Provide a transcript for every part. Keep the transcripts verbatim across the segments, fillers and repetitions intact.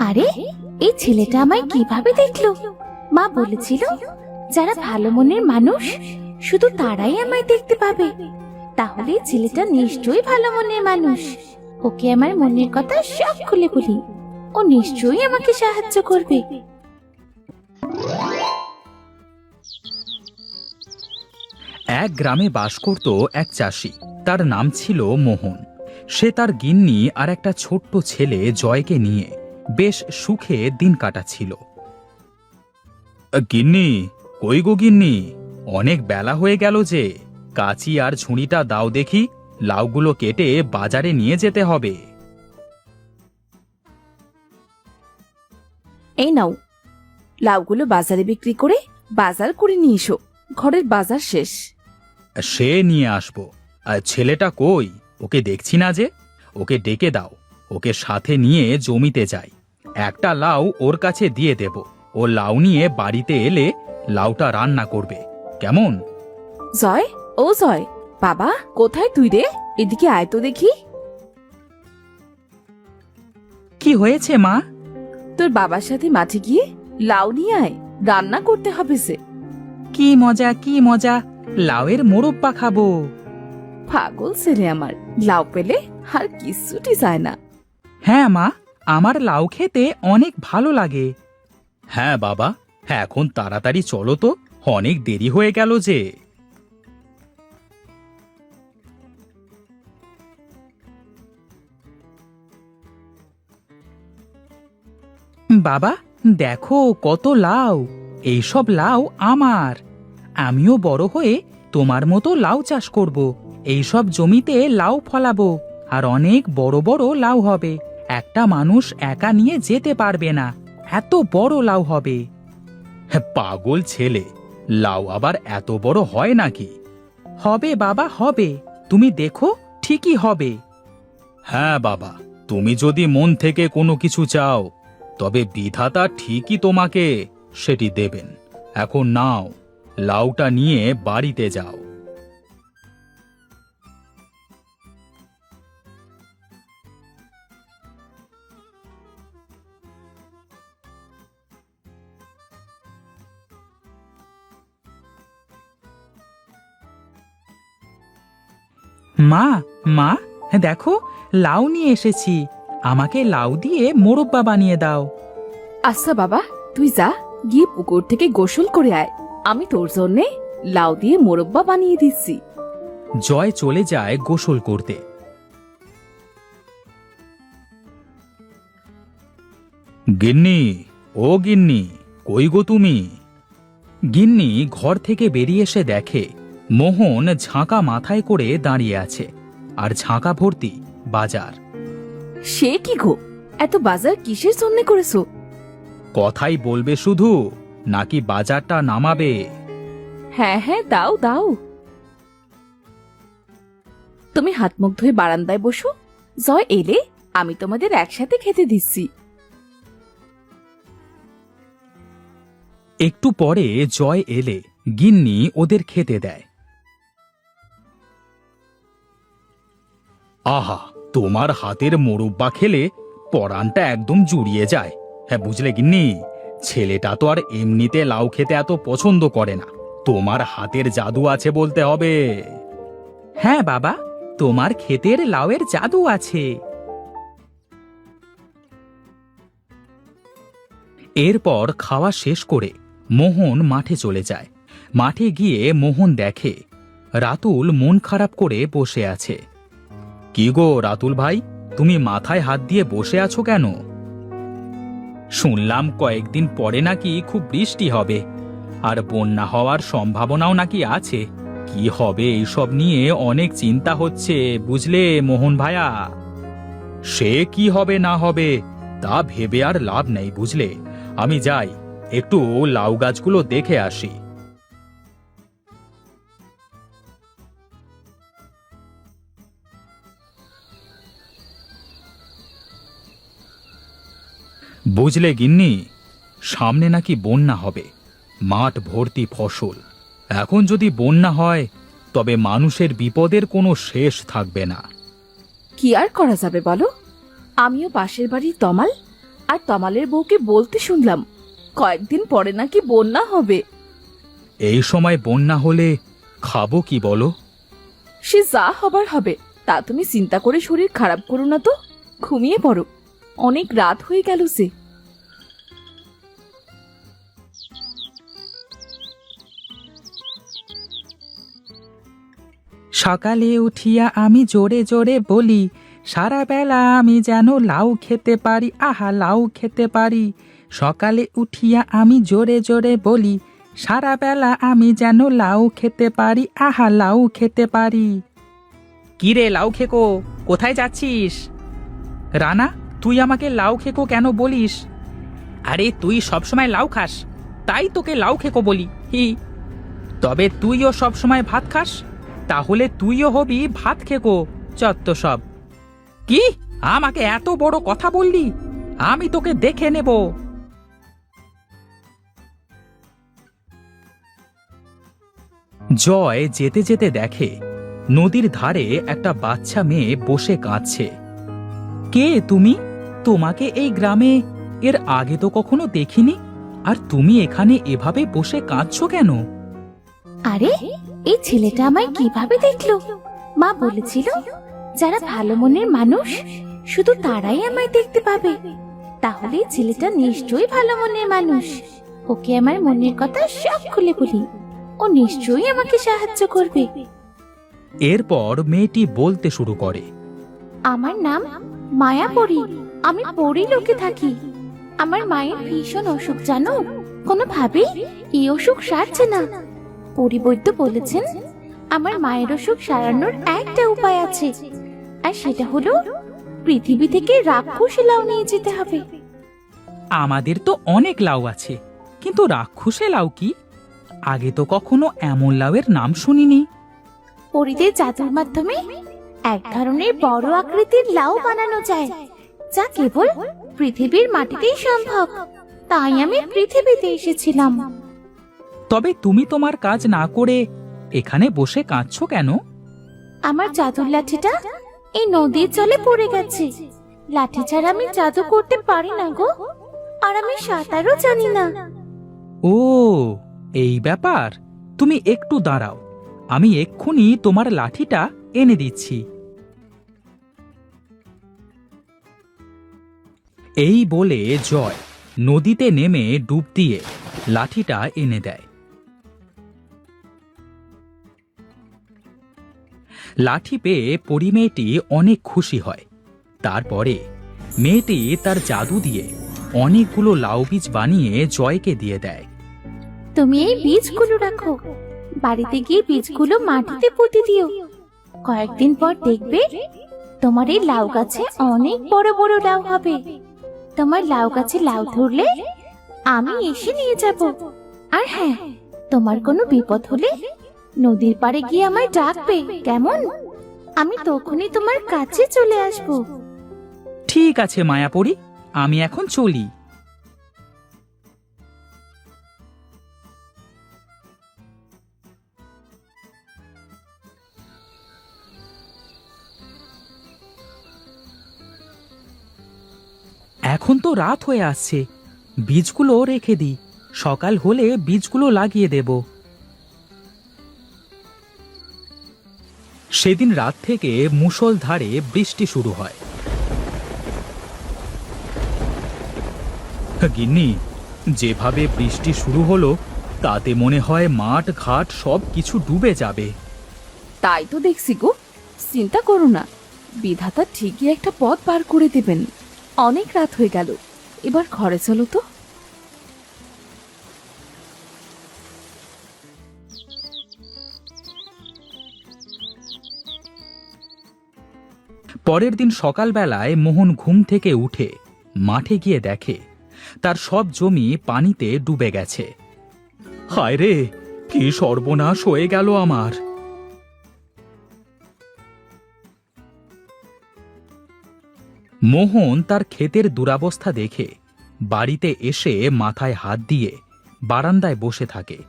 আরে, এই ছেলেটা আমায় কিভাবে দেখলো? মা বলেছিল যারা ভালো মনের মানুষ শুধু তারাই আমায় দেখতে পাবে। তাহলে ছেলেটা নিশ্চয়ই ভালো মনের মানুষ। ওকে আমার মনের কথা সব খুলে বলি, ও নিশ্চয়ই আমাকে সাহায্য করবে। এক গ্রামে বাস করত এক চাষি। তার নাম ছিল মোহন। সে তার গিন্নি আর একটা ছোট্ট ছেলে জয়কে নিয়ে বেশ সুখে দিন কাটাচ্ছিল। গিন্নি, কই গো গিন্নি, অনেক বেলা হয়ে গেল যে। কাঁচি আর ঝুড়িটা দাও দেখি, লাউগুলো কেটে বাজারে নিয়ে যেতে হবে। এই নাও, লাউগুলো বাজারে বিক্রি করে বাজার করে নিয়ে এসো, ঘরের বাজার শেষ। সে নিয়ে আসবো। আর ছেলেটা কই? ওকে দেখছি না যে। ওকে ডেকে দাও, ওকে সাথে নিয়ে জমিতে যাই। একটা লাউ ওর কাছে দিয়ে দেব। ও লাউ নিয়ে বাড়িতে এলে লাউটা রান্না করবে, কেমন? জয়, ও জয়, বাবা কোথায় তুই রে? এদিকে আয় তো দেখি। কি হয়েছে মা? তোর বাবার সাথে মাঠে গিয়ে লাউ নিয়ে আয়, রান্না করতে হবে সে। কি মজা, কি মজা, লাউয়ের মোরব্বা খাবো। পাগল ছেলে আমার, লাউ পেলে আর কিচ্ছুটি চায় না। হ্যাঁ মা, আমার লাউ খেতে অনেক ভালো লাগে। হ্যাঁ বাবা, হ্যাঁ এখন তাড়াতাড়ি চলো তো, অনেক দেরি হয়ে গেল যে। বাবা দেখো কত লাউ, এইসব লাউ আমার। আমিও বড় হয়ে তোমার মতো লাউ চাষ করব। এইসব জমিতে লাউ ফলাবো, আর অনেক বড় বড় লাউ হবে। একটা মানুষ একা নিয়ে যেতে পারবে না, এত বড় লাউ হবে। পাগল ছেলে, লাউ আবার এত বড় হয় নাকি? হবে বাবা, হবে, তুমি দেখো ঠিকই হবে। হ্যাঁ বাবা, তুমি যদি মন থেকে কোনো কিছু চাও তবে বিধাতা ঠিকই তোমাকে সেটি দেবেন। এখন নাও, লাউটা নিয়ে বাড়িতে যাও। মা, মা দেখো, লাউ নিয়ে এসেছি। আমাকে লাউ দিয়ে মোরব্বা বানিয়ে দাও। আচ্ছা বাবা, তুই যা, গিয়ে পুকুর থেকে গোসল করে আয়। আমি তোর জন্যে লাউ দিয়ে মোরব্বা বানিয়ে দিচ্ছি। জয় চলে যায় গোসল করতে। গিন্নি, ও গিন্নি, কই গো তুমি? গিন্নি ঘর থেকে বেরিয়ে এসে দেখে মোহন ঝাঁকা মাথায় করে দাঁড়িয়ে আছে, আর ঝাঁকা ভর্তি বাজার। সে কি গো, এত বাজার কিসের জন্য করেছো? কথাই বলবে শুধু, নাকি বাজারটা নামাবে? হ্যাঁ হ্যাঁ, দাও দাও। তুমি হাত মুখ ধুয়ে বারান্দায় বসো, জয় এলে আমি তোমাদের একসাথে খেতে দিচ্ছি। একটু পরে জয় এলে গিন্নি ওদের খেতে দেয়। আহা, তোমার হাতের মোরব্বা খেলে পরানটা একদম জুড়িয়ে যায়। হ্যাঁ বুঝলে গিন্নি, ছেলেটা তো আর এমনিতে লাউ খেতে এত পছন্দ করে না, তোমার হাতের জাদু আছে বলতে হবে। হ্যাঁ বাবা, তোমার ক্ষেতের লাউয়ের জাদু আছে। এরপর খাওয়া শেষ করে মোহন মাঠে চলে যায়। মাঠে গিয়ে মোহন দেখে রাতুল মন খারাপ করে বসে আছে। কি গো রাতুল ভাই, তুমি মাথায় হাত দিয়ে বসে আছো কেন? শুনলাম কয়েকদিন পরে নাকি খুব বৃষ্টি হবে, আর বন্যা হওয়ার সম্ভাবনাও নাকি আছে। কি হবে এইসব নিয়ে অনেক চিন্তা হচ্ছে, বুঝলে মোহন ভাইয়া। সে কি হবে না হবে তা ভেবে আর লাভ নেই, বুঝলে। আমি যাই, একটু লাউ গাছগুলো দেখে আসি। বুঝলে গিন্নি, সামনে নাকি বন্যা হবে, মাঠ ভর্তি ফসল। এখন যদি বন্যা হয় তবে মানুষের বিপদের কোনো শেষ থাকবে না। কি আর করা যাবে বলো? আমিও পাশের বাড়ির তমাল, আর তমালের বউকে বলতে শুনলাম কয়েকদিন পরে নাকি বন্যা হবে। এই সময় বন্যা হলে খাবো কি বলো? সে যা হবার হবে, তা তুমি চিন্তা করে শরীর খারাপ করো না তো, ঘুমিয়ে পড়ো, অনেক রাত হয়ে গেল যে। সকালে উঠিয়া আমি জোরে জোরে বলি, সারা বেলা আমি যেন লাউ খেতে পারি, আহা লাউ খেতে পারি। সকালে উঠিয়া আমি জোরে জোরে বলি, সারা বেলা আমি যেন লাউ খেতে পারি, আহা লাউ খেতে পারি। কি রে লাউ খেকো, কোথায় যাচ্ছিস? রানা, তুই আমাকে লাউ খেকো কেন বলিস? আরে তুই সবসময় লাউ খাস, তাই তোকে লাউ খেকো বলি। হি, তবে তুইও সবসময় ভাত খাস, তাহলে তুইও হবি ভাত খেকো। চত্ব সব। কি, আমাকে এত বড় কথা বললি? আমি তোকে দেখে নেব। জয় যেতে যেতে দেখে নদীর ধারে একটা বাচ্চা মেয়ে বসে কাঁদছে। কে তুমি? তোমাকে এই গ্রামে এর আগে তো কখনো দেখিনি, আর তুমি এখানে এভাবে বসে কাঁদছো কেন? আরে এই ছেলেটা আমায় কিভাবে দেখলো? মা বলেছিল যারা ভালো মনের মানুষ শুধু তারাই আমায় দেখতে পাবে। তাহলে এই ছেলেটা নিশ্চয়ই ভালো মনের মানুষ। ওকে আমার মনের কথা সব খুলে বলি, ও নিশ্চয়ই আমাকে সাহায্য করবে। এরপর মেয়েটি বলতে শুরু করে, আমার নাম মায়াপরি, আমি পরি লোকে থাকি। আমার মায়ের ভীষণ অসুখ জানো, কোনোভাবেই এই অসুখ সারছে না। পরিবৈদ্য বলেছেন আমার মায়ের অসুখ সারানোর একটা উপায় আছে, আর সেটা হলো পৃথিবী থেকে রাক্ষসী লাউ নিয়ে যেতে হবে। আমাদের তো অনেক লাউ আছে, কিন্তু রাক্ষসে লাউ কি? আগে তো কখনো এমন লাউয়ের নাম শুনিনি। পরিদের জাদুর মাধ্যমে এক ধরনের বড় আকৃতির লাউ বানানো যায়, যা কেবল পৃথিবীর মাটিতেই সম্ভব। তাই আমি পৃথিবীতে এসেছিলাম। তবে তুমি তোমার কাজ না করে এখানে বসে কাঁদছো কেন? আমার জাদুর লাঠিটা এই নদীর জলে পড়ে গেছে। লাঠি ছাড়া আমি জাদু করতে পারি না গো, আর আমি সাঁতারও জানি না। ও, এই ব্যাপার। তুমি একটু দাঁড়াও, আমি এক্ষুনি তোমার লাঠিটা এনে দিচ্ছি। এই বলে জয় নদীতে নেমে ডুব দিয়ে লাঠিটা এনে দেয়। লাঠি পেয়ে পরি মেয়েটি অনেক খুশি হয়। তারপরে মেয়েটি তার জাদু দিয়ে অনেকগুলো লাউ বীজ বানিয়ে জয়কে দিয়ে দেয়। তুমি এই বীজগুলো রাখো, বাড়িতে গিয়ে বীজগুলো মাটিতে পুঁতে দিও। কয়েকদিন পর দেখবে তোমার এই লাউ গাছে অনেক বড় বড় লাউ হবে। তোমার লাউ গাছে লাউ ধরলে আমি এসে নিয়ে যাব। আর হ্যাঁ, তোমার কোনো বিপদ হলে নদীর পাড়ে গিয়ে আমায় ডাকবে, কেমন? আমি তখনই তোমার কাছে চলে আসব। ঠিক আছে মায়াপরি, আমি এখন চলি। এখন তো রাত হয়ে আসছে, বীজগুলো রেখে দিই, সকাল হলে বীজগুলো লাগিয়ে দেব। সেদিন রাত থেকে মুষলধারে বৃষ্টি শুরু হয়। গিন্নি, যেভাবে বৃষ্টি শুরু হলো তাতে মনে হয় মাঠ ঘাট সব কিছু ডুবে যাবে। তাই তো দেখছি গো, চিন্তা করো না, বিধাতা ঠিকই একটা পথ পার করে দেবেন। অনেক রাত হয়ে গেল, এবার ঘরে চলো তো। পরের দিন সকালবেলায় মোহন ঘুম থেকে উঠে মাঠে গিয়ে দেখে তার সব জমি পানিতে ডুবে গেছে। হায় রে, কি সর্বনাশ হয়ে গেল আমার! মোহন তার ক্ষেতের দুরবস্থা দেখে বাড়িতে এসে মাথায় হাত দিয়ে বারান্দায় বসে থাকে।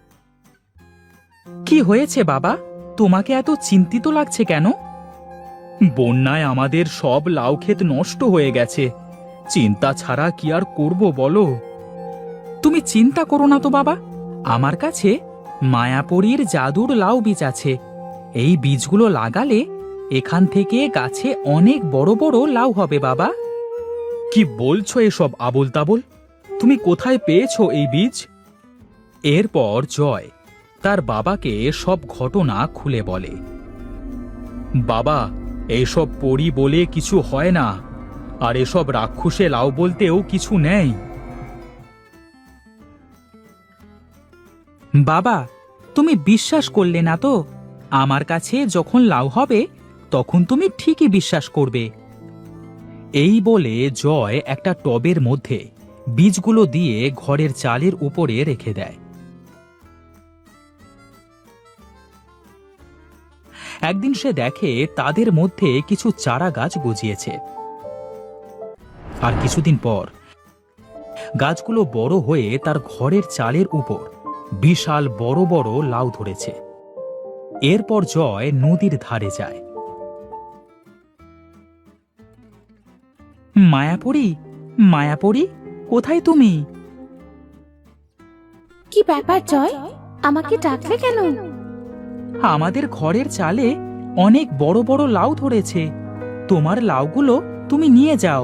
কি হয়েছে বাবা, তোমাকে এত চিন্তিত লাগছে কেন? বন্যায় আমাদের সব লাউ ক্ষেত নষ্ট হয়ে গেছে। চিন্তা ছাড়া কি আর করব বলো? তুমি চিন্তা করো না তো বাবা, আমার কাছে মায়াপুরীর জাদুর লাউ বীজ আছে। এই বীজগুলো লাগালে এখান থেকে গাছে অনেক বড় বড় লাউ হবে বাবা। কি বলছো এসব আবোল তাবোল? তুমি কোথায় পেয়েছো এই বীজ? এরপর জয় তার বাবাকে সব ঘটনা খুলে বলে। বাবা, এসব পড়ি বলে কিছু হয় না, আর এসব রাক্ষসে লাউ বলতেও কিছু নেই। বাবা, তুমি বিশ্বাস করলে না তো? আমার কাছে যখন লাউ হবে তখন তুমি ঠিকই বিশ্বাস করবে। এই বলে জয় একটা টবের মধ্যে বীজগুলো দিয়ে ঘরের চালের উপরে রেখে দেয়। একদিন সে দেখে তাদের মধ্যে কিছু চারা গাছ গজিয়েছে। আর কিছুদিন পর গাছগুলো বড় হয়ে তার ঘরের চালের উপর বিশাল বড় বড় লাউ ধরেছে। এরপর জয় নদীর ধারে যায়। মায়াপুরী, মায়াপুরী, কোথায় তুমি? কি ব্যাপার জয়, আমাকে ডাকলে কেন? আমাদের ঘরের চালে অনেক বড় বড় লাউ ধরেছে। তোমার লাউগুলো তুমি নিয়ে যাও।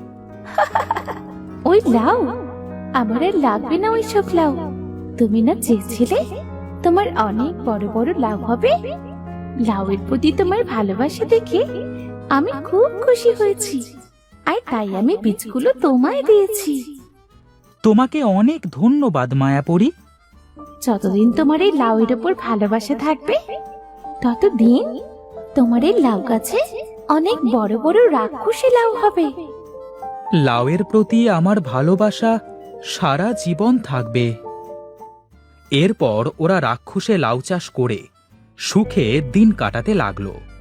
ওই লাউ? আমার আর লাগবে না ওই সব লাউ। তুমি না চেয়েছিলে তোমার অনেক বড় বড় লাউ হবে? লাউয়ের প্রতি তোমার ভালোবাসা দেখে আমি খুব খুশি হয়েছি, আর তাই আমি বীজগুলো তোমায় দিয়েছি। তোমাকে অনেক ধন্যবাদ মায়াপুরী। যতদিন তোমার এই লাউয়ের উপর ভালোবাসা থাকবে ততদিন তোমার এই লাউ গাছে অনেক বড় বড় রাক্ষসী লাউ হবে। লাউয়ের প্রতি আমার ভালোবাসা সারা জীবন থাকবে। এরপর ওরা রাক্ষসে লাউ চাষ করে সুখে দিন কাটাতে লাগলো।